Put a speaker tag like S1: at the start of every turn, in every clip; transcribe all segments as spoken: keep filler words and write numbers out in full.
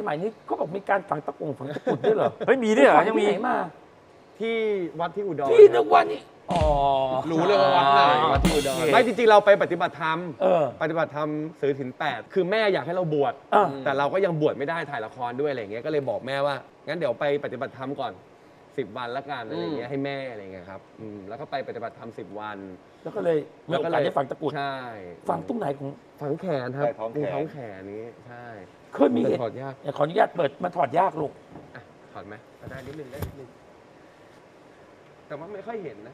S1: สมัยนี้เขาบอกมีการฝังตะกุ่งฝังตะกุดด้วยเหรอ
S2: เฮ้ยมีด้วยเหรอยังมี
S1: ที่ไหนมา
S3: ที่วัดที่อุดร
S1: พี่นึกว่านี่อ๋อ
S3: รู้เลยว่าวัดไหนวัดที่อุดรไม่จริงๆเราไปปฏิบัติธรรมปฏิบัติธรรมถือศีลแปดคือแม่อยากให้เราบวชแต่เราก็ยังบวชไม่ได้ถ่ายละครด้วยอะไรเงี้ยก็เลยบอกแม่ว่างั้นเดี๋ยวไปปฏิบัติธรรมก่อนสิบวันละกันอะไรเงี้ยให้แม่อะไรเงี้ยครับแล้วก็ไปปฏิบัติธรรมสิบวัน
S1: แล้วก็เลยมีโอกาสได้ฝังตะกุด
S3: ใช่
S1: ฝังตรงไหนของ
S3: ฝังแขนครับท้องแขนนี้ใช่
S1: เคยมี
S3: ถอดยาก
S1: ขออนุญาตเปิดมาถอดยากลูก
S3: ถอดไหมได้นิดนึงได้นิดนึงแต่ว่าไม่ค่อยเห็นนะ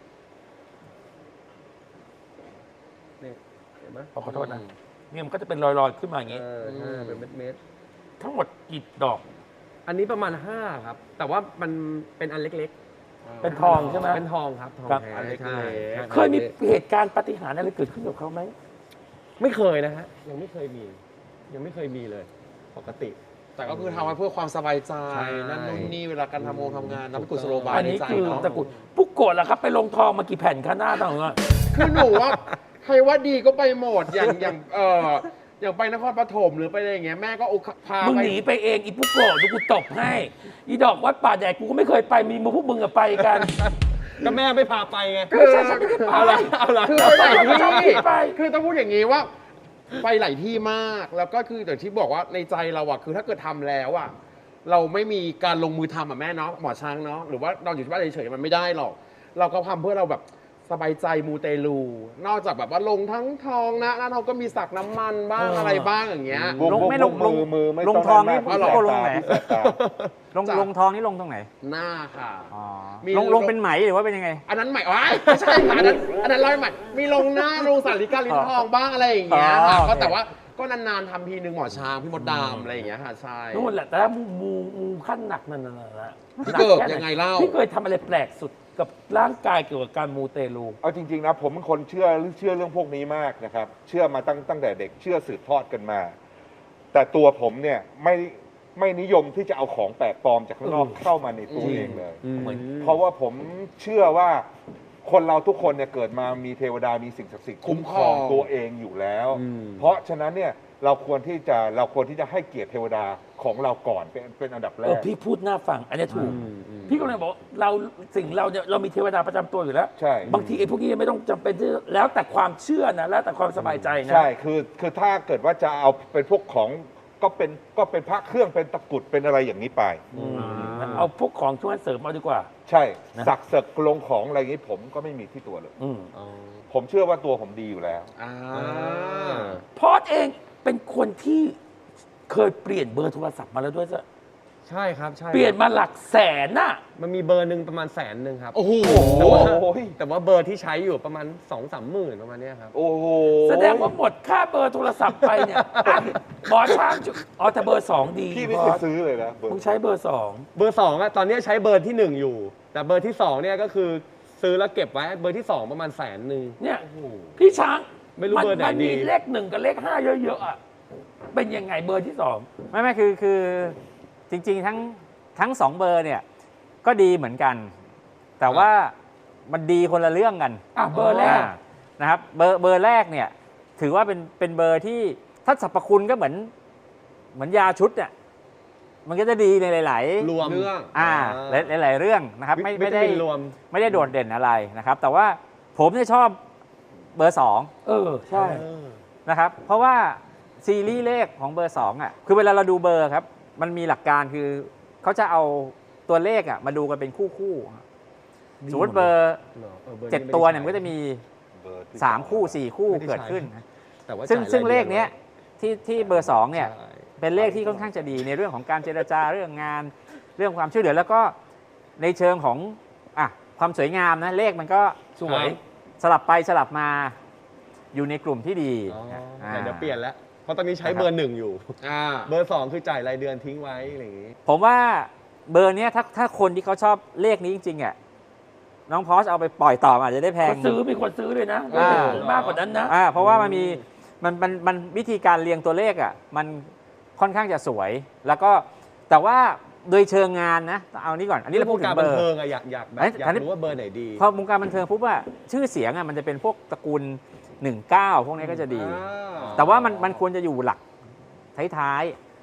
S3: นี่เห็นไหม
S1: ขอโทษนะเนี่ยมันก็จะเป็นรอยๆขึ้นมาอย่างงี้
S3: เป็นเม็ด
S1: ๆทั้งหมดกี่ดอก
S3: อันนี้ประมาณห้าครับแต่ว่ามันเป็นอันเล็ก
S1: ๆเป็นทองใช่ไหม
S3: เป็นทองครับทองแท้ใช่
S1: เคยมีเหตุการณ์ปาฏิหาริย์อะไรเกิดขึ้นกับเขาไหม
S3: ไม่เคยนะฮะยังไม่เคยมียังไม่เคยมีเลยปกติ
S4: แต่ก็คือทำมาเพื่อความสบายใจนั่นนู่นนี่เวลาการทำงานทำงานนับกุศโลบาย
S1: อันนี้คือตะกุดปุ๊กโกะล่ะครับไปลงทองมากี่แผ่นคะหน้าต่างๆ
S4: คือหนูว่าใครว่าดีก็ไปหมดอย่างอย่างเอออย่างไปนครปฐมหรือไปอะไรอย่างเงี้ยแม่ก็พา
S1: มึงหนีไปเองอีปุ๊กโกะดูกูตบให้อีดอกวัดป่าแดดกูก็ไม่เคยไปมีมึงพวกมึงอะไปกัน
S3: ก็แม่ไม่พาไปไง
S1: คือฉันไม่ได้ไป
S4: คือไปหลายที่คือต้องพูดอย่างนี้ว่าไปหลายที่มากแล้วก็คืออย่างที่บอกว่าในใจเราอะคือถ้าเกิดทำแล้วอะเราไม่มีการลงมือทำอะแม่เนาะหมอช้างเนาะหรือว่าเราอยู่ที่บ้านเฉยๆมันไม่ได้หรอกเราก็ทำเพื่อเราแบบสบายใจมูเตลูนอกจากแบบว่าลงทั้งทองนะหน้าทองก็มีสักน้ำมันบ้างอะไรบ้างอย่างเงี้ย
S2: ลงไม่ลงลงมือลงทองนี่ก็ลงไหนลงลงทองนี่ลงตรงไหน
S4: หน้าค่ะ
S2: ลงลงเป็นไหมหรือว่าเป็นยังไง
S4: อันนั้นไหมอ๋อไม่ใช่ค่ะอันนั้นอันนั้นร้อยไหมมีลงหน้าลงสาริกาลิ้นทองบ้างอะไรอย่างเงี้ยค่ะก็แต่ว่าก็นานๆทำทีนึงหมอช้างพี่มดดามอะไรอย่างเงี้ยค่ะใช่
S1: นู่นแหละแต่มูมูมูขั้นหนักนั่นน่ะ
S4: พี่เกิดยังไงเล่า
S1: พี่เคยทำอะไรแปลกสุดกับร่างกายเกี่ยวกับการมูเตลู
S5: เอาจริงๆนะผมเป็นคนเชื่อเชื่อเรื่องพวกนี้มากนะครับเชื่อมาตั้งตั้งแต่เด็กเชื่อสืบทอดกันมา แต่ตัวผมเนี่ยไม่ไม่นิยมที่จะเอาของแปลกปลอมจากข้างนอกเข้ามาในตัวเองเลยเพราะว่าผมเชื่อว่าคนเราทุกคนเนี่ยเกิดมามีเทวดามีสิ่งศักดิ์สิทธิ์คุ้มครองตัวเองอยู่แล้วเพราะฉะนั้นเนี่ยเราควรที่จะเราควรที่จะให้เกียรติเทวดาของเราก่อนเป็นเป็นอันดับแรก
S1: พี่พูดหน้าฟังอันนี้ถูกพี่ก็เลยบอกเราสิ่งเราเนี่ยเรามีเทวดาประจำตัวอยู่แล้ว
S5: ใช่
S1: บางทีไอ้พวกนี้ไม่ต้องจำเป็นที่แล้วแต่ความเชื่อนะแล้วแต่ความสบายใจนะ
S5: ใช่คือคือถ้าเกิดว่าจะเอาเป็นพวกของก็เป็นก็เป็นพระเครื่องเป็นตะกุดเป็นอะไรอย่างนี้ไป
S1: เอาพวกของช่วยเสริมเอาดีกว่า
S5: ใช่สักเสกลงของอะไรอย่างนี้ผมก็ไม่มีที่ตัวเลยผมเชื่อว่าตัวผมดีอยู่แล้ว
S1: พอดเองเป็นคนที่เคยเปลี่ยนเบอร์โทรศัพท์มาแล้วด้วยซะ
S3: ใช่ครับใช่
S1: เปลี่ยนมาหลักแสนน่ะ
S3: มันมีเบอร์หนึ่งประมาณแสนหนึ่งครับ
S4: โอ้โห
S3: แต่ว่าแต่ว่าเบอร์ที่ใช้อยู่ประมาณสองสามหมื่นประมาณนี้ครับ
S5: โอ้โห
S1: แสดงว่าหมดค่าเบอร์โทรศัพท์ไปเนี่ยหมอช้างอ๋อแต่เบอร์สองดี
S5: พี่ไม่เคยซื้อเลยนะ
S1: มึงใช้เบอร์สอง
S3: เบอร์สองอะตอนนี้ใช้เบอร์ที่หนึ่งอยู่แต่เบอร์ที่สองเนี่ยก็คือซื้อแล้วเก็บไว้เบอร์ที่สองประมาณแสนหนึ่ง
S1: เนี่ยพี่ช้าง
S3: ไม่รู้เบอร์ไหนดี
S1: มันมีเลขหนึ่งกับเลขห้าเยอะๆอะเป็นยังไงเบอร์ที่สอง
S2: ไม่ไม่คือคือจริงๆทั้งทั้งสองเบอร์เนี่ยก็ดีเหมือนกันแต่ว่ามันดีคนละเรื่องกัน
S1: อ่ะเบอร์แรก
S2: นะครับเบอร์เบอร์แรกเนี่ยถือว่าเป็นเป็นเบอร์ที่ถ้าสรรพคุณก็เหมือนเหมือนยาชุดเนี่ยมันก็จะดีในหลาย
S3: ๆรวมเรื่อง
S2: อ่าหลายๆเรื่องนะครับไม่ไม่ได้
S3: รวม
S2: ไม่ได้โดดเด่นอะไรนะครับแต่ว่าผมเนี่ยชอบเบอร์สอง
S1: เออใช่
S2: นะครับเพราะว่าซีรีส์เลขของเบอร์สองอ่ะคือเวลาเราดูเบอร์ครับมันมีหลักการคือเขาจะเอาตัวเลขอ่ะมาดูกันเป็นคู่คู่สมมติเบอร์เจ็ดตัวเนี่ยมันก็จะมีสามคู่สี่คู่เกิดขึ้นซึ่งซึ่งเลขเนี้ยที่ที่เบอร์สองเนี่ยเป็นเลขที่ค่อนข้างจะดีในเรื่องของการเจรจาเรื่องงานเรื่องความช่วยเหลือแล้วก็ในเชิงของอ่ะความสวยงามนะเลขมันก็
S1: สวย
S2: สลับไปสลับมาอยู่ในกลุ่มที่ดี
S3: แต่เดี๋ยวเปลี่ยนแล้วเพราะตอนนี้ใช้เบอร์หนึ่งอยู่เบอร์สองคือจ่ายรายเดือนทิ้งไว้อะไรอย่างนี้
S2: ผมว่าเบอร์นี้ถ้าถ้าคนที่เขาชอบเลขนี้จริงๆอ่ะน้องพอสเอาไปปล่อยต่ออาจจะได้แพง
S1: ซื้อมีคนซื้อเลยนะมากกว่านั้นนะ
S2: เพราะว่ามันมีมันมันมันวิธีการเรียงตัวเลขอ่ะมันค่อนข้างจะสวยแล้วก็แต่ว่าโดยเชิงงานนะเอานี้ก่อนอันนี้เราพูดถึงเบอร์
S3: วงการบันเทิงอะอยากอยากแบบอยากรู้ว่าเบอร์ไหนดี
S2: พอวงการบันเทิงปุ๊บว่าชื่อเสียงอ่ะมันจะเป็นพวกตระกูลหนึ่งเก้าพวกนี้ก็จะดีแต่ว่ามันมันควรจะอยู่หลักท้าย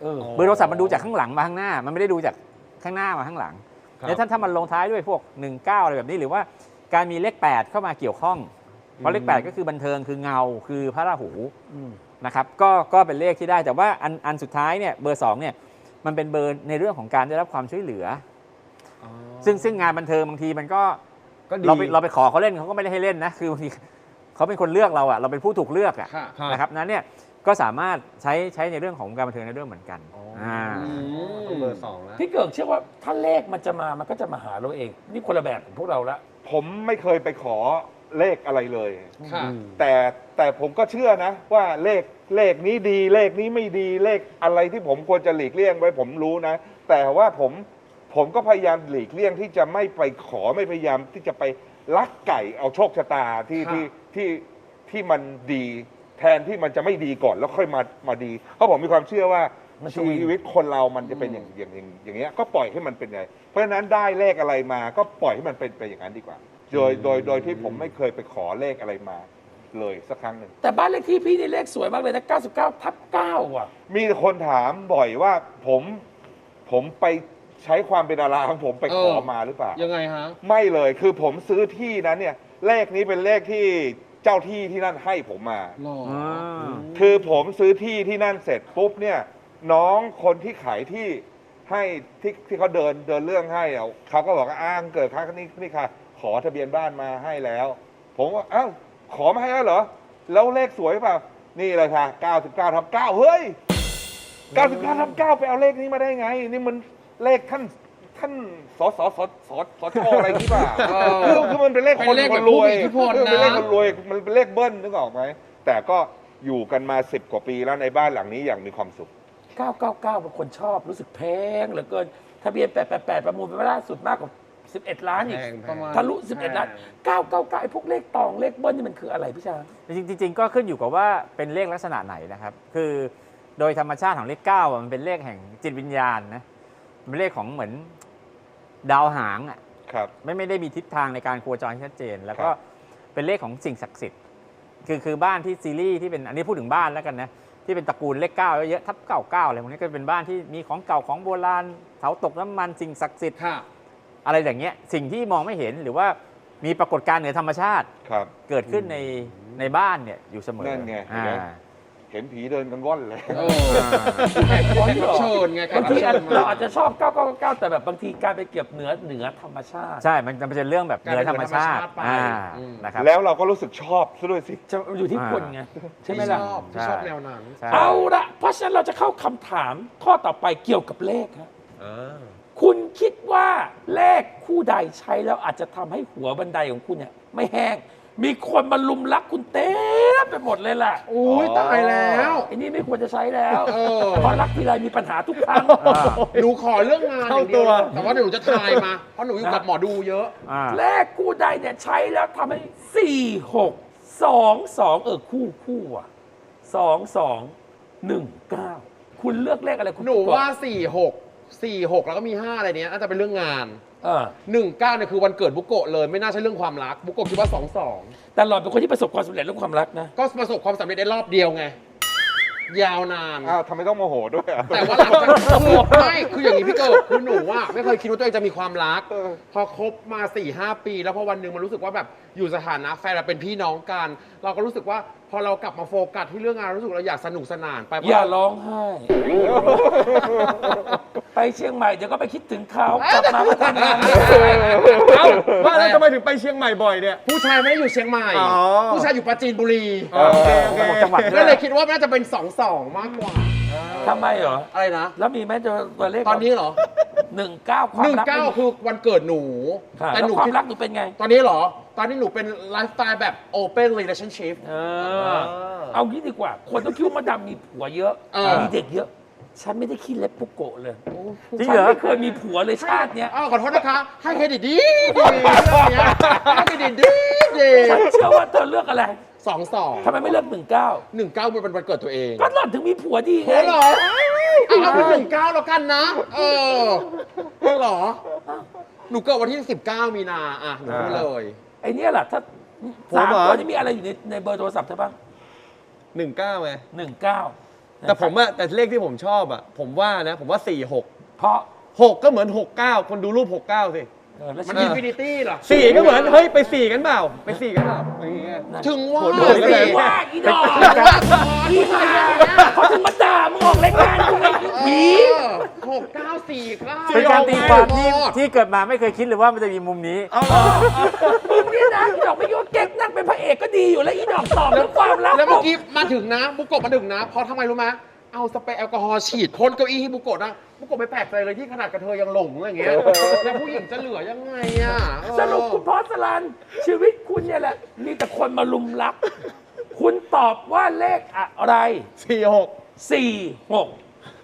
S1: เออ
S2: เบอร์โทรศัพท์มันดูจากข้างหลังมาข้างหน้า มันไม่ได้ดูจากข้างหน้ามาข้างหลัง
S3: ครับ
S2: แล้วถ้าถ้ามันลงท้ายด้วยพวกหนึ่งเก้าอะไรแบบนี้หรือว่าการมีเลขแปดเข้ามาเกี่ยวข้องเพราะเลขแปดก็คือบันเทิงคือเงาคือพระราหู
S1: อืม
S2: นะครับก็ก็เป็นเลขที่ได้แต่ว่าอันอันสุดท้ายเนี่ยเบอร์สองเนี่ยมันเป็นเบอร์ในเรื่องของการได้รับความช่วยเหลือ
S3: อ๋อ
S2: ซึ่งซึ่งงานบันเทิงบางทีมันก็
S3: ก็ดี
S2: เราไปเราไปขอเขาเล่นเขาก็ไม่ได้ให้เล่นนะคือบางทีเขาเป็นคนเลือกเราอะเราเป็นผู้ถูกเลือกอะ
S4: ค่ะ
S3: ครับ
S2: นะครับนั้นเนี่ยก็สามารถใช้ใช้ในเรื่องของการบันเทิงในเรื่องเหมือนกัน
S3: อ๋ออ่
S2: า
S3: ต้องเบอร์สองแล้ว
S1: พี่เกิกเชื่อว่าถ้าเลขมันจะมามันก็จะมาหาเราเอง นี่คนละแบบของพวกเราละ
S5: ผมไม่เคยไปขอเลขอะไรเลย
S4: ค่ะ
S5: แต่แต่ผมก็เชื่อนะว่าเลขเลขนี้ดีเลขนี้ไม่ดีเลขอะไรที่ผมควรจะหลีกเลี่ยงไว้ผมรู้นะ แต่ว่าผมผมก็พยายามหลีกเลี่ยงที่จะไม่ไปขอไม่พยายามที่จะไปลักไก่เอาโชคชะตาที่
S4: ค่ะ
S5: ที่ที่ที่มันดีแทนที่มันจะไม่ดีก่อนแล้วค่อยมามาดี เพราะผมมีความเชื่อว่า
S1: มันจะวิ่ง
S5: ชีวิตคนเรามันจะเป็นอย่างอย่างอย่างอย่างเงี้ยก็ปล่อยให้มันเป็นไงเพราะฉะนั้นได้เลขอะไรมาก็ปล่อยให้มันเป็นไปอย่างนั้นดีกว่า โดยโดยโดยที่ผมไม่เคยไปขอเลขอะไรมาเลยสักครั้งหนึ่ง
S1: แต่บ้านเลขที่พี่นี่เลขสวยมากเลยนะเก้าสิบเก้าทับเก้าอ่ะ
S5: มีคนถามบ่อยว่าผมผมไปใช้ความเป็นดาราของผมไปขอ
S4: เออ
S5: มาหรือเปล่า
S4: ยังไงฮะ
S5: ไม่เลยคือผมซื้อที่นั้นเนี่ยเลขนี้เป็นเลขที่เจ้าที่ที่นั่นให้ผมมา
S4: หล่อ
S2: อ่า
S5: คือผมซื้อที่ที่นั่นเสร็จปุ๊บเนี่ยน้องคนที่ขายที่ให้ที่ที่เขาเดินเดินเรื่องให้อะเขาก็บอกว่าอ้างเกิดครั้งนี้นี่ค่ะ ขอทะเบียนบ้านมาให้แล้ว ผมว่าอ้าวขอมาให้แล้วเหรอ แล้วเลขสวยเปล่านี่เลยค่ะเก้าสิบเก้าทับเก้าเฮ้ยเก้าสิบเก้าทับเก้าไปเอาเลขนี้มาได้ไง นี่มันเลขท่านท่านสสสสสชอะไรที่ป่า
S4: เออ
S5: คือคือมันเป็นเลข
S4: เป็
S5: คน
S4: นเลข
S5: ค
S4: แบ
S5: น
S4: บ
S5: รวย
S4: ผู้มีอิทธิพล
S5: เออเป็นเลข
S4: นะ
S5: คนรวยมันเป็นเลขเบิ้ลนึกออกไหมแต่ก็อยู่กันมาสิบกว่าปีแล้วในบ้านหลังนี้อย่างมีความสุข
S1: เก้าเก้าเก้าบางคนชอบรู้สึกแพงเหลือเกินทะเบียนแปดแปดแปดประมูลไปล่าสุดมากกว่าสิบเอ็ดล้านอีก
S3: แพงแพง
S4: ประมาณ
S1: ทะลุสิบเอ็ดล้านเก้าเก้าเก้าไอ้พวกเลขตองเลขเบิ้ลนี่มันคืออะไรพี่ช้าง
S2: จริงๆจริงๆก็ขึ้นอยู่กับว่าเป็นเลขลักษณะไหนนะครับ คือโดยธรรมชาติของเลขเก้าอะมันเป็นเลขแห่งจิตวิญญาณนะเป็นเลขของเหมือนดาวหางอ่ะ
S5: ครับ
S2: ไม่ไม่ได้มีทิศทางในการโคจรที่ชัดเจน แล้วก็
S5: ครับ
S2: เป็นเลขของสิ่งศักดิ์สิทธิ์คือคือบ้านที่ซีรีส์ที่เป็นอันนี้พูดถึงบ้านแล้วกันนะที่เป็นตระกูลเลขเก้าเยอะๆทับเก้าเก้าอะไรพวกนี้ก็เป็นบ้านที่มีของเก่าของโบราณเสาตกน้ำมันสิ่งศักดิ์สิทธิ์
S4: ค่ะ
S2: อะไรอย่างเงี้ยสิ่งที่มองไม่เห็นหรือว่ามีปรากฏการณ์เหนือธรรมชาติ
S5: ครับ
S2: เกิดขึ้นในในบ้านเนี่ยอยู่เสมอ
S5: นั่นไง
S2: อ่า
S5: เห็นผีเดินกันว่อนเลย
S4: เออแขกรับเชิญไงแข
S1: บาก ง
S4: รับ
S1: ที
S4: เชิญมา
S1: เราอาจจะชอบเก้าเก้าเก้าแต่แบบบางทีการไปเก็บเหนือเหนือธรรมชาติ
S2: ใช่ มันจะเป็นเรื่องแบบเหนือธรรมชาติ
S4: การเป็นเหนือธรรมชาติไป
S2: อ่า
S4: อืม
S2: นะครับ
S5: แล้วเราก็รู้สึกชอบซะด้วยสิ
S1: จะอยู่ที่คนไงใช่ไหม
S4: ที่ช
S1: ล่ะ
S4: อบที่
S2: ใช่
S4: ชอบแนวนั้น
S2: ใช่
S1: เอาละเพราะฉะนั้นเราจะเข้าคำถามข้อต่อไปเกี่ยวกับเลขครับคุณคิดว่าเลขคู่ใดใช้แล้วอาจจะทำให้หัวบันไดของคุณเนี่ยไม่แห้ง มีคนมาลุมรักคุณเต็มไปหมดเลยล่ะ
S4: อุ้ยตายแล้ว
S1: ไอ้นี่ไม่ควรจะใช้แล้ว
S4: เออ
S1: เพราะรักทีไรมีปัญหาทุกครั้ง
S4: หนูขอเรื่องงานอย่างเดียว
S3: เข้าตัว
S4: แต่ว่าเดี๋ยวหนูจะทายมา เพราะหนูอยู่กับหมอดูเยอะ
S2: อ่า
S1: เลขคู่ใดเนี่ยใช้แล้วทำให้สี่หกสองสองเออคู่คู่อ่ะสองสองหนึ่งเก้าคุณเลือกเลขอะไรคุณ
S4: หนู
S1: ก่อ
S4: ว่าสี่หกสี่หกแล้วก็มีห้าอะไรเนี้ยน่าจะเป็นเรื่องงาน
S1: เออ
S4: หนึ่งเก้าเนี่ยคือวันเกิดบุโกะเลยไม่น่าใช่เรื่องความรักบุโกะคิดว่าสองสอง
S1: แต่หล่อนเป็นคนที่ประสบความสำเร็จเรื่องความรักนะ
S4: ก็ประสบความสำเร็จได้รอบเดียวไง ยาวนาน
S5: อ้าวทำไมต้องโมโหด้วยอ่ะ
S4: แต่ว่าหลังจากคือไม่คืออย่างนี้พี่เกิดคือหนูว่าไม่เคยคิดว่าตัวเองจะมีความรัก
S5: เออ
S4: พอคบมา4ี่หปี แล้วพอวันหนึ่งมันรู้สึกว่าแบบอยู่สถานะแฟนเราเป็นพี่น้องกัน เราก็รู้สึกว่าพอเรากลับมาโฟกัสที่เรื่องงานรู้สึกเราอยากสนุกสนานไปเพ
S1: อย่า
S4: ราะ
S1: ร้องไห้ ไปเชียงใหม่เดี๋ยวก็ไปคิดถึงเขากลับมาก็ทำงานไม่ได้
S3: เอ้าว่าแล้วทำไมถึงไปเชียงใหม่บ่อยเนี่ย
S4: ผู้ชายไม่ได้อยู่เชียงใหม่
S3: อ๋อ
S4: ผู้ชายอยู่ปราจีนบุรี
S3: โอเคโอเค
S2: จังหวัดด้
S4: ก็
S2: วย
S4: เลยคิดว่าน่าจะเป็นสองสองมากกว่า
S1: ทำไมเหรอ
S4: อะไรนะ
S1: แล้วมีไหมตัวเลข
S4: ตอนนี้เหรอ
S1: หนึ่งเก้าความ
S4: หนึ่ง
S1: รัก
S4: เก้าคือวันเกิดหนู
S1: ค่ะ
S4: แต่
S1: แล้ว
S4: หนู
S1: ควา
S4: คิ
S1: ม
S4: ด
S1: รักหนูเป็นไง
S4: ตอนนี้เหรอ ตอนนี้หนูเป็นไลฟ์สไตล์แบบ open relationship
S1: เออ เอางี้ดีกว่า คนต้องคิดว่ามาดำมีผัวเยอะ
S4: เออ
S1: มีเด็กเยอะ ฉันไม่ได้ขี้เล็บปุกโกะเลย
S2: จริง
S1: ฉั
S2: เหรอ
S1: ไม่เคยมีผัวเลยชาติเนี้ย
S4: อ้าวขอโทษนะคะ ให้เครดิตดีดีเรื่องเนี้ยให้เครดิตดีดี
S1: ฉันเชื่อว่าเธอเลือกอะไร
S4: สองสอง
S1: ทำไมไม่เลือกหนึ่งเก้า
S4: หนึ่งเก้าเป็นวันเกิดตัวเอง
S1: ก็หล่อนถึงมีผัวดีไง
S4: โอ้เหรอเอาเอาเป็นหนึ่งเก้าแล้วกันนะ เออเหรอ หนูเกิดวันที่สิบเก้ามีนา อ่ะ หนูพูดเลย
S1: ไอเนี้ยแหละถ้า
S3: ผม
S1: สาม
S3: เหรอ
S1: ตัวนี้มีอะไรอยู่ในในเบอร์โทรศัพท์เธอบ้าง
S3: หนึ่งเก้าไง
S1: หนึ่งเก้า
S3: แต่ผมอะแต่เลขที่ผมชอบอะผมว่านะ ผมว่าสี่หก
S1: เพราะ
S3: หกก็เหมือนหกเก้าคนดูรูปหกเก้าสิ
S1: เออแล้ว
S4: มัน
S1: ชี
S4: อิ
S1: วิ
S4: น
S1: ต
S4: ฟินิตี้เหรอ
S3: สี่ก็เหมือนเฮ้ยไปสี่กันเปล่าไปสี่กันเปล่าอย่างเงี้ย
S4: ถึงว่า
S3: โหดเลย
S1: ไม่ได้ว่าอีดอกอีหาเขาถึงมาด่ามึงออกรายการกูไอ้ผี
S4: หกเก้าสี่เก้า
S2: เป็นการตีความที่ที่เกิดมาไม่เคยคิดเลยว่ามันจะมีมุมนี้
S1: มึงเนี่ยนะอีดอกไม่ยอมเก๊กนั่งเป็นพระเอกก็ดีอยู่แล้วอีดอกตอบเรื่องความรัก
S4: แล้วเมื่อกี้มาถึงนะบุกโกะมาถึงนะเพราะทำไมรู้ไหมเอาสเปรย์แอลกอฮอล์ฉีดพ่นเก้าอี้ให้บุกโกะนะบุกโกะไม่แปลกใจเลยที่ขนาดกระเทยยังหลงอย่างเงี้ยแล้วผู้หญิงจะเหลือยังไงอ่ะเออ
S1: สรุปคุณพอสลันชีวิตคุณเนี่ยแหละมีแต่คนมาลุมรัก คุณตอบว่าเลขอะไร
S3: สี่หก
S1: สี่หก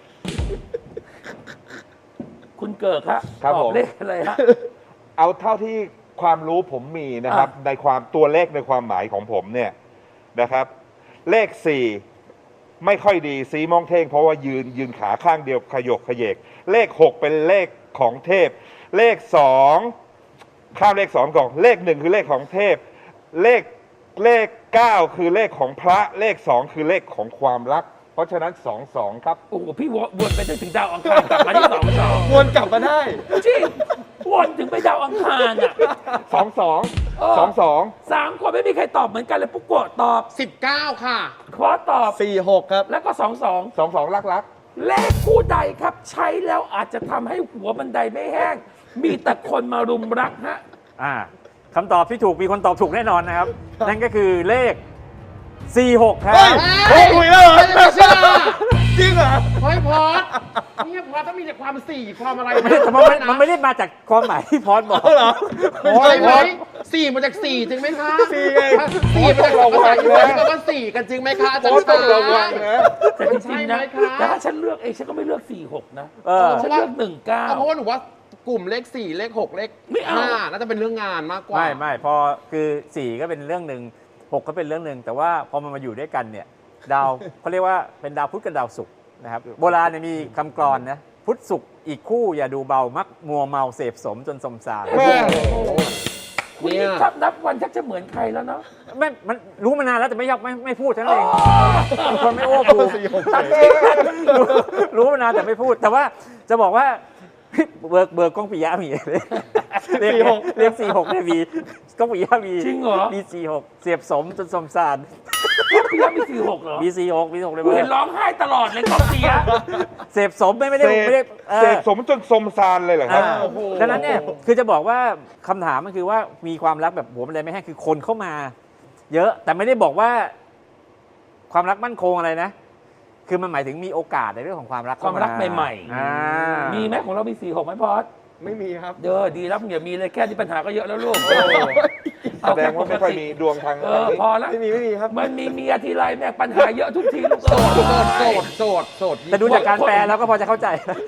S1: คุณเกิดฮะ
S5: ครับ
S1: ตอ
S5: ผ
S1: บ
S5: ม
S1: เลขอะไรฮะ
S5: เอาเท่าที่ความรู้ผมมีนะครับ
S1: อ่ะ
S5: ในความตัวเลขในความหมายของผมเนี่ยนะครับ เลขสี่ไม่ค่อยดีสีมองเท่งเพราะว่ายืนยืนขาข้างเดียวขยกขยเยก เลขหกเป็นเลขของเทพ เลขสองข้ามเลขสองก่อนเลขหนึ่งคือเลขของเทพ เลขเลขเก้าคือเลขของพระเลขสองคือเลขของความรัก เพราะฉะนั้นสองสองครับ
S1: โอ้โหพี่วนไปจนถึงดาวอังคารกลับมาที่สองสอง
S3: วนกลับมาได้
S1: จริงวนถึงไปดาวอังคารอ่ะ
S5: สองสอง
S1: เออ
S5: สองสอง
S1: สามคนไม่มีใครตอบเหมือนกันเลยปุ๊กโกะตอบ
S4: สิบเก้าค่ะ
S1: คอสตอบ
S3: สี่หกครับ
S1: แล้วก็สองสอง
S5: สองสองรักรัก
S1: เลขคู่ใดครับใช้แล้วอาจจะทำให้หัวบันไดไม่แห้ง มีแต่คนมารุมรักฮะ
S2: อ่าคำตอบที่ถูกมีคนตอบถูกแน่นอนนะครับ นั่นก็คือเลข สี่หก ครับ
S3: เฮ้ย โอ้คุยแล้วเหรอ
S4: ไม่เชื่อ
S3: จริงเหรอ
S4: เฮ้ยพอดเนี่ยพอดต้องมีแต่ความสี่ความอะไร
S2: ไม่ได้แต่มันไม่มันไม่ได้มาจากความหมายที่พอดบอก
S3: เหรอ
S4: ใช่ไหมสี่มาจากสี่จริงไหมคะ
S3: สี่ไง
S4: สี่มาจากภาษาอังกฤษแปลว่าสี่กันจริงไหมคะอาจารย์
S5: ต้องระวังนะ
S1: แต่จริงๆนะ
S4: ใช่ไหมคะ
S1: แต่ถ้าฉันเลือกเองฉันก็ไม่เลือกสี่หกนะ
S2: เออ
S1: ฉันเลือกหนึ่งเก้า
S4: เพราะว่าหนูว่ากลุ่มเลขสี่เลขหกเลข
S1: ไม่เอา
S4: ห้าน่าจะเป็นเรื่องงานมากกว่า
S2: ไม่ไม่พอคือสี่ก็เป็นเรื่องหนึ่งหกก็เป็นเรื่องหนึ่งแต่ว่าพอมันมาอยู่ด้วยกันเนี่ยดาว เขาเรียกว่าเป็นดาวพุธกับดาวศุกร์นะครับโบราณเนี่ยมีคำกลอนนะพุธศุกร์อีกคู่อย่าดูเบามักมัวเมาเสพสมจนสมสาร
S5: แม่
S1: คุณนี่ทับนับวันชักจะเหมือนใครแล้วเนาะ
S2: ไม่มันรู้มานานแล้วแต่ไม่ยอมไม่ไม่พูดเท่านั้นเองเป็นคนไม่โอ้พูด
S3: สี่หก
S1: ตัดเองนะ
S2: รู้รู้มานานแต่ไม่พูด แต่ว่าจะบอกว่าเบิร์กเบิร์กกล้องปิยะมีเลยเรียกเรียกสี่หกเนี่ยมีกล้องปิยะมี
S1: จริงเหรอ
S2: มีสี่หกเสียบสมจนสมสาร
S1: พี่ยักษ์มีสี่หกเหรอ
S2: มีสี่หกมีหกเลย
S1: กู
S2: เบิ
S1: เห็
S2: ร์
S1: นร้องไห้ตลอดเลยกองเสีย
S2: เสพสมไม่ไม่ได้
S5: เสพ
S2: ไม่ได้เออ
S5: เสพสมจนสมซานเลยเหรอครับ
S2: อ่า
S4: โอ้โห
S2: ดังนั้นเนี่ยคือจะบอกว่าคำถามมันคือว่ามีความรักแบบหัวมันเลยไม่แห้งคือคนเข้ามา เยอะแต่ไม่ได้บอกว่า ความรักมั่นคงอะไรนะ คือมันหมายถึงมีโอกาสในเรื่องของความรัก
S1: ความรัก
S2: เข้าา
S1: ใหม่
S2: อ่า
S1: ๆ มีไหมของเรามีสี่หกไหมพอด
S3: ไม่มีครับ
S1: เด้อดีแล้วมึงอย่ามีเลยแค่นี้ปัญหาก็เยอะแล้วลูก
S5: แสดงว่าไม่ค่อยมีดวงทาง
S1: เอ
S5: ทาง
S1: อ
S5: นี้
S1: พอแล้ว
S3: ไม่มีไม่มีครับ
S1: มันมีเมียทีไรแม่งปัญหาเยอะทุกทีลูก
S4: โสดโสดโส
S1: เอ้ย
S4: ดโสดโสด
S2: แต่ดูจากการแปลแล้วก็พอจะเข้าใจ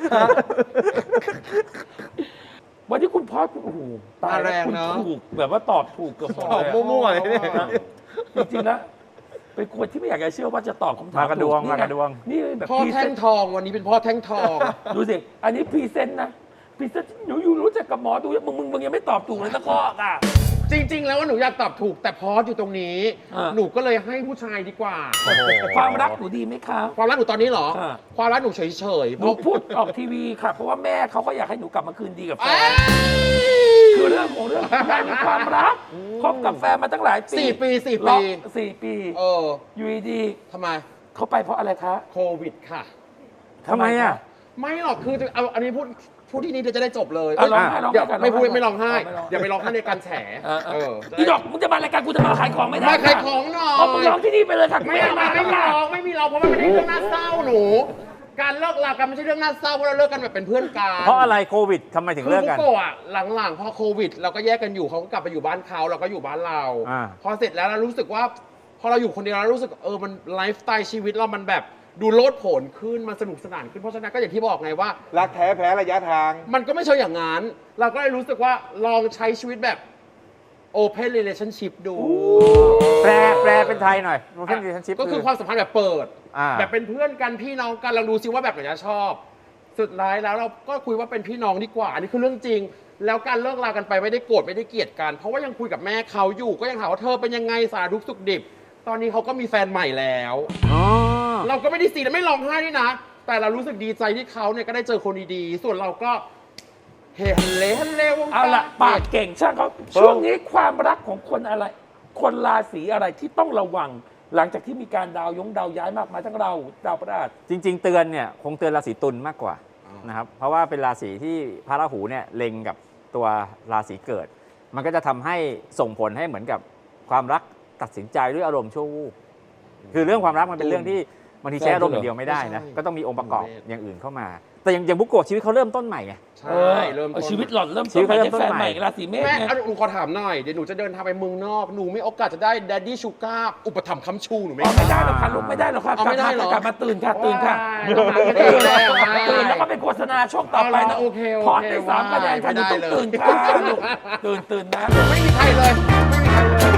S1: วันที่คุณพอดคุณโอ้โหตายแล้วคุณถูกแบบว่าตอบถูกเกือบหมด
S3: ตอบ
S1: เลยอะ
S3: มั่วๆเลยเนี่ย
S1: จริงๆนะเป็นคนที่ไม่อยากจะเชื่อว่าจะตอบคำถาม
S2: มากระดวง
S1: ถู
S2: มากระดวง
S1: นี่แบบ
S4: พ่อ
S1: พรีเซ
S4: แท่
S1: น
S4: ง
S1: ต์
S4: ทองวันนี้เป็นพ่อแท่งทอง
S1: ดูสิ อันนี้พรีเซนต์นะพรีเซนต์หนูอยู่รู้จักกับหมอดูมึงมึงมึงยังไม่ตอบถูกเลยสักข้ออ่ะ
S4: จริง ๆ แล้วว่าหนูอยากตอบถูกแต่พอสอยู่ตรงนี้
S1: อ่า
S4: หนูก็เลยให้ผู้ชายดีกว่า
S1: ความรักหนูดีไหมคะ
S4: ความรักหนูตอนนี้เหรอ
S1: อ่า
S4: ความรักหนูเฉยๆ
S1: หนูพูดออกทีวีค่ะ เพราะว่าแม่เขาก็อยากให้หนูกลับมาคืนดีกับแฟ
S4: เอ้
S1: น
S4: ย
S1: คือเรื่องของเรื่องแม่มีความรักคบกับแฟนมาตั้งหลายปี
S4: สี่ปีสี่
S1: ล็
S4: ปี
S1: อกสี่ปี
S4: เออ
S1: อยู่ดี
S4: ทำไม
S1: ๆเขาไปเพราะอะไรคะ
S4: โควิดค่ะ
S2: ทำไมอ่ะ
S4: ไม่หรอกคือเอาอันนี้พูดพูดที่นี่เดี๋ยวจะได้จบเลย
S1: เอาร้องไห้ร้อง
S4: เดี๋ยว
S1: ไห้ก่อน
S4: ไม่พูด
S1: ร้องไห้
S4: ไม่ร้องไห้
S1: เอาไม่ร้อง
S4: อย่าไปร้องไห้ในการแฉ
S1: เออเอ
S4: เอ
S1: อ
S4: อ
S1: อีดอกมึงจะมารายการกูจะมาขายของไม่ได้
S4: มาขายของหน่อย
S1: เอามึงร้องที่นี่ไปเลยค่ะ
S4: ไม่เอามาไม่มีร้องไม่มีร้องเพราะมันไม่ใช่เรื่องน่าเศร้าหนู การเลิกลากันไม่ใช่เรื่องน่าเศร้าเพราะเราเลิกกันแบบเป็นเพื่อนกัน
S2: เพราะอะไรโควิดทำไมถึง
S4: คือ
S2: เลิก
S4: บุ
S2: กัน
S4: โกะอะหลังๆพอโควิด เราก็แยกกันอยู่เขาก็กลับไปอยู่บ้านเขาเราก็อยู่บ้านเรา
S2: อ่า
S4: พอเสร็จแล้วเรารู้สึกว่า พอเราอยู่คนเดียวเรารู้สึกเออมันไลฟ์สไตล์ชีวิตเรามันแบบดูโลดโผนขึ้นมันสนุกสนานขึ้นเพราะฉะนั้นก็อย่างที่บอกไงว่า
S5: รักแท้แพ้ระยะทาง
S4: มันก็ไม่ใช่อย่างนั้น เราก็เลยรู้สึกว่าลองใช้ชีวิตแบบ Open Relationship ดู
S2: แปลแปลเป็นไทยหน่อย Open Relationship
S4: ก็คือความสัมพันธ์แบบเปิด
S2: อ่า
S4: แบบเป็นเพื่อนกันพี่น้องกันลองดูซิว่าแบบไหนจะชอบ สุดท้ายแล้วเราก็คุยว่าเป็นพี่น้องดีกว่า อันนี้คือเรื่องจริง แล้วการเลิกลากันไปไม่ได้โกรธไม่ได้เกลียดกัน เพราะว่ายังคุยกับแม่เขาอยู่ก็ยังถามว่าเธอเป็นยังไงสารทุกข์สุขดิบ ตอนนี้เขาก็มีแฟนใหม่แล้ว
S2: อ๋อ
S4: เราก็ไม่ได้ซีและไม่ร้องไห้ด้วยนะ แต่เรารู้สึกดีใจที่เขาเนี่ยก็ได้เจอคนดีๆ ส่วนเราก็เฮฮันเลฮันเลวง
S1: เอาละปากเก่งช่างเขาช่วงนี้ความรักของคนอะไร คนราศีอะไรที่ต้องระวัง หลังจากที่มีการดาวยงดาวย้ายมากมายทั้งเราดาวพฤหัส
S2: จริง ๆ เตือนเนี่ยคงเตือนราศีตุลมากกว่านะครับเพราะว่าเป็นราศีที่พระราหูเนี่ยเล็งกับตัวราศีเกิด มันก็จะทำให้ส่งผลให้เหมือนกับความรักตัดสินใจด้วยอารมณ์ชั่ววูบคือเรื่องความรักมันเป็นเรื่องที่บางทีใช้อารมณ์อย่างเดียวไม่ได้นะก็ต้องมีองค์ประกอบอย่างอื่นเข้ามา แต่อย่างอย่างบุกโกะชีวิตเขาเริ่มต้นใหม่ไง
S4: ใช่เริ่ม
S1: เออ
S4: ต้น
S1: ชีวิตหล่อนเริ่ม
S2: ชีวิต
S1: ต้น
S2: เขา
S1: ใหม่
S2: เริ่
S1: ได้
S2: มต้น
S1: แฟนใหม่
S2: ใหม่
S1: ราศีเมษ
S4: แม่
S1: ไง
S4: เอาหนูขอถามหน่อย เดี๋ยวหนูจะเดินทางไปเมืองนอก หนูมีโอกาสจะได้แดดดี้ชูการ์อุปถัมภ์ค้ำชูหนูไหม
S1: อ๋อไม่ได้หรอกค่ะลูกไม่ได้หรอกค่ะ
S4: เอาไม่ได้เหรอ
S1: กลับมาตื่นค่ะตื่นค่ะ
S4: ต้องหากันเองแล้ว
S1: ตื่นแล้วก็เป็นโฆษณาช่วงต่อไปนะ
S4: โอเคโอเค
S1: ขอได้สามคะแนนค่ะหนูต้องตื่นค่ะลูกตื่นตื่นนะ
S4: ไม่มีใครเลย ไม่มีใครเลย